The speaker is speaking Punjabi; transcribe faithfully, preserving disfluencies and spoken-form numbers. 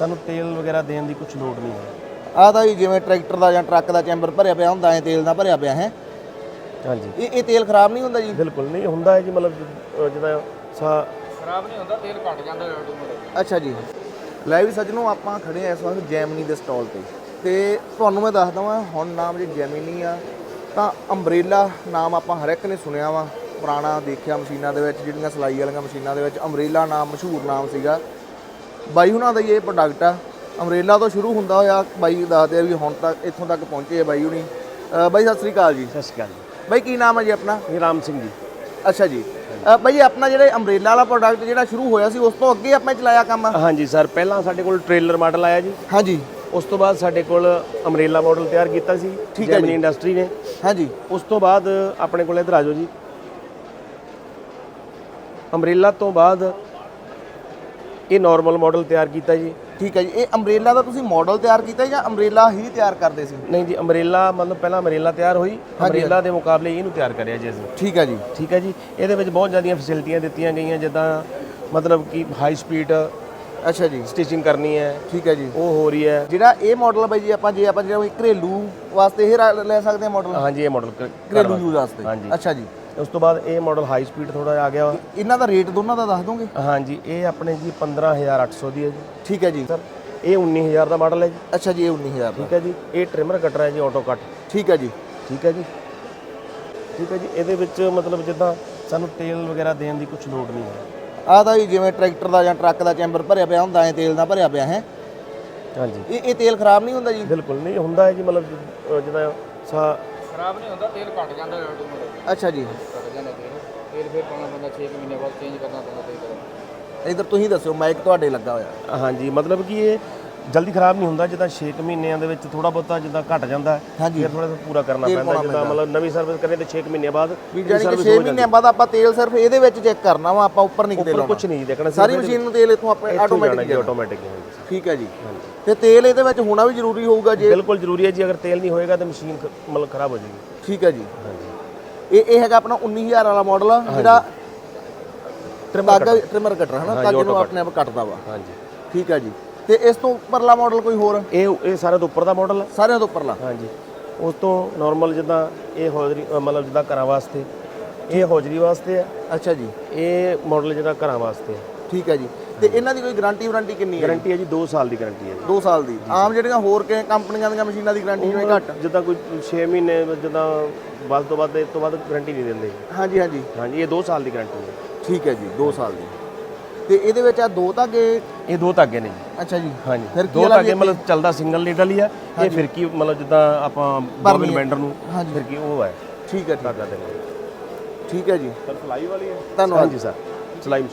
ਸਾਨੂੰ ਤੇਲ ਵਗੈਰਾ ਦੇਣ ਦੀ ਕੁਝ ਲੋੜ ਨਹੀਂ ਹੈ। ਆਹ ਤਾਂ ਜੀ ਜਿਵੇਂ ਟਰੈਕਟਰ ਦਾ ਜਾਂ ਟਰੱਕ ਦਾ ਚੈਂਬਰ ਭਰਿਆ ਪਿਆ ਹੁੰਦਾ ਐ ਤੇਲ ਦਾ ਭਰਿਆ ਪਿਆ ਹੈ। ਹਾਂਜੀ ਇਹ ਇਹ ਤੇਲ ਖਰਾਬ ਨਹੀਂ ਹੁੰਦਾ ਜੀ? ਬਿਲਕੁਲ ਨਹੀਂ ਹੁੰਦਾ ਹੈ ਜੀ, ਮਤਲਬ ਜਿਹਦਾ ਸਾ ਖਰਾਬ ਨਹੀਂ ਹੁੰਦਾ, ਤੇਲ ਘਟ ਜਾਂਦਾ ਆਟੋਮੈਟਿਕ। ਅੱਛਾ ਜੀ। ਲੈ ਵੀ ਸੱਜਣੋ, ਆਪਾਂ ਖੜੇ ਆ ਇਸ ਵਕਤ ਜੈਮਨੀ ਦੇ ਸਟਾਲ ਤੇ ਤੇ ਤੁਹਾਨੂੰ ਮੈਂ ਦੱਸਦਾ ਵਾਂ ਹੁਣ ਨਾਮ ਜੇ ਜੈਮਨੀ ਆ ਤਾਂ ਅੰਬਰੇਲਾ ਨਾਮ ਆਪਾਂ ਹਰ ਇੱਕ ਨੇ ਸੁਣਿਆ ਵਾ, ਪੁਰਾਣਾ ਦੇਖਿਆ ਮਸ਼ੀਨਾਂ ਦੇ ਵਿੱਚ, ਜਿਹੜੀਆਂ ਸਿਲਾਈ ਵਾਲੀਆਂ ਮਸ਼ੀਨਾਂ ਦੇ ਵਿੱਚ ਅੰਬਰੇਲਾ ਨਾਮ ਮਸ਼ਹੂਰ ਨਾਮ ਸੀਗਾ। ਬਾਈ ਹੁਣਾਂ ਦਾ ਹੀ ਇਹ ਪ੍ਰੋਡਕਟ ਆ, ਅੰਬਰੇਲਾ ਤੋਂ ਸ਼ੁਰੂ ਹੁੰਦਾ ਹੋਇਆ ਬਾਈ ਦੱਸਦੇ ਆ ਵੀ ਹੁਣ ਤੱਕ ਇੱਥੋਂ ਤੱਕ ਪਹੁੰਚੇ ਆ ਬਾਈ ਹੁਣੀ। ਬਾਈ ਸਤਿ ਸ੍ਰੀ ਅਕਾਲ ਜੀ। ਸਤਿ ਸ਼੍ਰੀ ਅਕਾਲ ਜੀ। ਬਾਈ ਕੀ ਨਾਮ ਹੈ ਜੀ ਆਪਣਾ? ਇਹ ਰਾਮ ਸਿੰਘ ਜੀ। ਅੱਛਾ ਜੀ। ਬਾਈ ਆਪਣਾ ਜਿਹੜੇ ਅੰਬਰੇਲਾ ਵਾਲਾ ਪ੍ਰੋਡਕਟ ਜਿਹੜਾ ਸ਼ੁਰੂ ਹੋਇਆ ਸੀ ਉਸ ਤੋਂ ਅੱਗੇ ਆਪਾਂ ਚਲਾਇਆ ਕੰਮ? ਹਾਂਜੀ ਸਰ, ਪਹਿਲਾਂ ਸਾਡੇ ਕੋਲ ਟ੍ਰੇਲਰ ਮਾਡਲ ਆਇਆ ਜੀ। ਹਾਂਜੀ। ਉਸ ਤੋਂ ਬਾਅਦ ਸਾਡੇ ਕੋਲ ਅੰਬਰੇਲਾ ਮਾਡਲ ਤਿਆਰ ਕੀਤਾ ਸੀ ਠੀਕ ਹੈ ਜੈਮਨੀ ਇੰਡਸਟਰੀ ਨੇ। ਹਾਂਜੀ। ਉਸ ਤੋਂ ਬਾਅਦ ਆਪਣੇ ਕੋਲ ਇੱਧਰ ਆ ਜਾਓ ਜੀ, ਅੰਬਰੇਲਾ ਤੋਂ ਬਾਅਦ ਇਹ ਨਾਰਮਲ ਮਾਡਲ ਤਿਆਰ ਕੀਤਾ ਜੀ। ਠੀਕ ਹੈ ਜੀ। ਇਹ ਅੰਬਰੇਲਾ ਦਾ ਤੁਸੀਂ ਮਾਡਲ ਤਿਆਰ ਕੀਤਾ ਜਾਂ ਅੰਬਰੇਲਾ ਹੀ ਤਿਆਰ ਕਰਦੇ ਸੀ? ਨਹੀਂ ਜੀ, ਅੰਬਰੇਲਾ ਮਤਲਬ ਪਹਿਲਾਂ ਅੰਬਰੇਲਾ ਤਿਆਰ ਹੋਈ, ਅੰਬਰੇਲਾ ਦੇ ਮੁਕਾਬਲੇ ਇਹਨੂੰ ਤਿਆਰ ਕਰਿਆ ਜੀ ਅਸੀਂ। ਠੀਕ ਹੈ ਜੀ। ਠੀਕ ਹੈ ਜੀ। ਇਹਦੇ ਵਿੱਚ ਬਹੁਤ ਜ਼ਿਆਦੀਆਂ ਫੈਸਿਲਿਟੀਆਂ ਦਿੱਤੀਆਂ ਗਈਆਂ, ਜਿੱਦਾਂ ਮਤਲਬ ਕਿ ਹਾਈ ਸਪੀਡ ਅੱਛਾ ਜੀ ਸਟਿਚਿੰਗ ਕਰਨੀ ਹੈ। ਠੀਕ ਹੈ ਜੀ। ਉਹ ਹੋ ਰਹੀ ਹੈ। ਜਿਹੜਾ ਇਹ ਮਾਡਲ ਬਾਈ ਜੀ ਆਪਾਂ ਜੇ ਆਪਾਂ ਜਿਹੜਾ ਘਰੇਲੂ ਵਾਸਤੇ ਇਹ ਰਾ- ਲੈ ਸਕਦੇ ਹਾਂ ਮਾਡਲ? ਹਾਂਜੀ, ਇਹ ਮਾਡਲ ਘਰੇਲੂ ਯੂਜ਼ ਵਾਸਤੇ। ਹਾਂਜੀ। ਅੱਛਾ ਜੀ। ਉਸ ਤੋਂ ਬਾਅਦ ਇਹ ਮਾਡਲ ਹਾਈ ਸਪੀਡ ਥੋੜਾ ਜਿਹਾ ਆ ਗਿਆ ਵਾ। ਇਹਨਾਂ ਦਾ ਰੇਟ ਦੋਨਾਂ ਦਾ ਦੱਸ ਦੋਗੇ? ਹਾਂਜੀ, ਇਹ ਆਪਣੇ ਜੀ ਪੰਦਰਾਂ ਹਜ਼ਾਰ ਅੱਠ ਸੌ ਦੀ ਹੈ ਜੀ। ਠੀਕ ਹੈ ਜੀ। ਸਰ ਇਹ ਉੱਨੀ ਹਜ਼ਾਰ ਦਾ ਮਾਡਲ ਹੈ ਜੀ। ਅੱਛਾ ਜੀ। ਇਹ ਉੱਨੀ ਹਜ਼ਾਰ ਦਾ। ਠੀਕ ਹੈ ਜੀ। ਇਹ ਟ੍ਰਿਮਰ ਕਟਰ ਹੈ ਜੀ, ਆਟੋ ਕੱਟ। ਠੀਕ ਹੈ ਜੀ। ਠੀਕ ਹੈ ਜੀ। ਠੀਕ ਹੈ ਜੀ। ਇਹਦੇ ਵਿੱਚ ਮਤਲਬ ਜਿੱਦਾਂ ਸਾਨੂੰ ਤੇਲ ਵਗੈਰਾ ਦੇਣ ਦੀ ਕੁਝ ਲੋੜ ਨਹੀਂ ਹੈ। ਆਹ ਤਾਂ ਜੀ ਜਿਵੇਂ ਟਰੈਕਟਰ ਦਾ ਜਾਂ ਟਰੱਕ ਦਾ ਚੈਂਬਰ ਭਰਿਆ ਪਿਆ ਹੁੰਦਾ ਐ ਤੇਲ ਦਾ ਭਰਿਆ ਪਿਆ ਹੈ। ਹਾਂਜੀ। ਇਹ ਇਹ ਤੇਲ ਖਰਾਬ ਨਹੀਂ ਹੁੰਦਾ ਜੀ? ਬਿਲਕੁਲ ਨਹੀਂ ਹੁੰਦਾ ਹੈ ਜੀ, ਮਤਲਬ ਜਿਹਦਾ ਸਾ ਖਰਾਬ ਨਹੀਂ ਹੁੰਦਾ, ਤੇਲ ਘਟ ਜਾਂਦਾ ਆਟੋਮੈਟਿਕ। ਅੱਛਾ ਜੀ। ਘਟ ਜਾਂਦਾ ਤੇਲ ਤੇਲ ਫਿਰ ਪਾਉਣਾ ਪੈਂਦਾ, ਛੇ ਮਹੀਨੇ ਬਾਅਦ ਚੇਂਜ ਕਰਨਾ ਪੈਂਦਾ ਤੇਲ। ਇਧਰ ਤੁਸੀਂ ਦੱਸਿਓ, ਮਾਈਕ ਤੁਹਾਡੇ ਲੱਗਾ ਹੋਇਆ। ਹਾਂਜੀ, ਮਤਲਬ ਕਿ ਇਹ ਜਲਦੀ ਖਰਾਬ ਨਹੀਂ ਹੁੰਦਾ, ਜਿੱਦਾਂ ਛੇ ਮਹੀਨਿਆਂ ਦੇ ਵਿੱਚ ਥੋੜਾ ਬਹੁਤਾ ਜਿੱਦਾਂ ਘਟ ਜਾਂਦਾ ਹਾਂਜੀ। ਫਿਰ ਥੋੜਾ ਪੂਰਾ ਕਰਨਾ ਪੈਂਦਾ, ਜਿੱਦਾਂ ਮਤਲਬ ਨਵੀਂ ਸਰਵਿਸ ਕਰੇ ਤੇ ਛੇ ਮਹੀਨੇ ਬਾਅਦ। ਵੀ ਜਾਨੀ ਕਿ ਛੇ ਮਹੀਨਿਆਂ ਬਾਅਦ ਆਪਾਂ ਤੇਲ ਸਿਰਫ ਇਹਦੇ ਵਿੱਚ ਚੈੱਕ ਕਰਨਾ ਵਾ, ਆਪਾਂ ਉੱਪਰ ਨਹੀਂ ਕਿਤੇ ਲਾਉਣਾ, ਕੁਝ ਨਹੀਂ ਦੇਖਣਾ, ਸਾਰੀ ਮਸ਼ੀਨ ਨੂੰ ਤੇਲ ਇੱਥੋਂ ਆਪਣੇ ਆਟੋਮੈਟਿਕ ਆਟੋਮੈਟਿਕ। ਠੀਕ ਹੈ ਜੀ। ਤੇ ਤੇਲ ਇਹਦੇ ਵਿੱਚ ਹੋਣਾ ਵੀ ਜ਼ਰੂਰੀ ਹੋਊਗਾ ਜੀ? ਬਿਲਕੁਲ ਜ਼ਰੂਰੀ ਹੈ ਜੀ, ਅਗਰ ਤੇਲ ਨਹੀਂ ਹੋਏਗਾ ਤਾਂ ਮਸ਼ੀਨ ਮਤਲਬ ਖਰਾਬ ਹੋ ਜਾਏਗੀ। ਠੀਕ ਹੈ ਜੀ। ਹਾਂਜੀ। ਇਹ ਇਹ ਹੈਗਾ ਆਪਣਾ ਉੱਨੀ ਹਜ਼ਾਰ ਵਾਲਾ ਮਾਡਲ ਜਿਹੜਾ ਟ੍ਰਿਮਰ ਟ੍ਰਿਮਰ ਕਟਰ ਹੈ ਨਾ, ਤਾਗੇ ਨੂੰ ਆਪਣੇ ਆਪ ਕੱਟਦਾ ਵਾ। ਹਾਂਜੀ। ਠੀਕ ਹੈ ਜੀ। ਤੇ ਇਸ ਤੋਂ ਉੱਪਰਲਾ ਮਾਡਲ ਕੋਈ ਹੋਰ? ਇਹ ਇਹ ਸਾਰਿਆਂ ਤੋਂ ਉੱਪਰ ਦਾ ਮਾਡਲ ਹੈ। ਸਾਰਿਆਂ ਤੋਂ ਉੱਪਰਲਾ? ਹਾਂਜੀ। ਉਸ ਤੋਂ ਨਾਰਮਲ ਜਿੱਦਾਂ ਇਹ ਹੌਜਰੀ ਮਤਲਬ ਜਿੱਦਾਂ ਘਰਾਂ ਵਾਸਤੇ, ਇਹ ਹੌਜਰੀ ਵਾਸਤੇ ਹੈ। ਅੱਛਾ ਜੀ। ਇਹ ਮਾਡਲ ਜਿਹੜਾ ਘਰਾਂ ਵਾਸਤੇ ਹੈ। ਠੀਕ ਹੈ ਜੀ। ਤੇ ਇਹਨਾਂ ਦੀ ਕੋਈ ਗਾਰੰਟੀ ਵਾਰੰਟੀ ਕਿੰਨੀ ਹੈ? ਗਾਰੰਟੀ ਹੈ ਜੀ ਦੋ ਸਾਲ ਦੀ ਗਾਰੰਟੀ ਹੈ ਜੀ। ਦੋ ਸਾਲ ਦੀ। ਆਮ ਜਿਹੜੀਆਂ ਹੋਰ ਕਿ ਕੰਪਨੀਆਂ ਦੀਆਂ ਮਸ਼ੀਨਾਂ ਦੀ ਗਾਰੰਟੀ ਜਿਵੇਂ ਘੱਟ, ਜਿੱਦਾਂ ਕੋਈ ਛੇ ਮਹੀਨੇ ਜਿੱਦਾਂ ਵੱਧ ਤੋਂ ਵੱਧ ਇਸ ਤੋਂ ਵੱਧ ਗਾਰੰਟੀ ਨਹੀਂ ਦਿੰਦੇ। ਹਾਂਜੀ ਹਾਂਜੀ ਹਾਂਜੀ, ਇਹ ਦੋ ਸਾਲ ਦੀ ਗਾਰੰਟੀ ਹੈ। ਠੀਕ ਹੈ ਜੀ। ਦੋ ਸਾਲ ਦੀ। ਤੇ ਇਹਦੇ ਵਿੱਚ ਆ ਦੋ ਧਾਗੇ? ਇਹ ਦੋ ਧਾਗੇ ਨੇ ਜੀ। ਅੱਛਾ ਜੀ। ਹਾਂਜੀ, ਫਿਰ ਦੋ ਧਾਗੇ ਮਤਲਬ ਚੱਲਦਾ ਸਿੰਗਲ ਨੀਡਲ ਹੀ ਆ। ਇਹ ਫਿਰਕੀ ਮਤਲਬ ਜਿੱਦਾਂ ਆਪਾਂ ਬੋਬਿਨ ਬੈਂਡਰ ਨੂੰ ਫਿਰਕੀ ਉਹ ਹੈ। ਠੀਕ ਹੈ। ਧਾਗਾ ਦੇ ਠੀਕ ਹੈ ਜੀ। ਸਰ ਸਲਾਈ ਵਾਲੀ ਹੈ। ਧੰਨਵਾਦ। ਹਾਂਜੀ ਸਰ, ਸਲਾਈ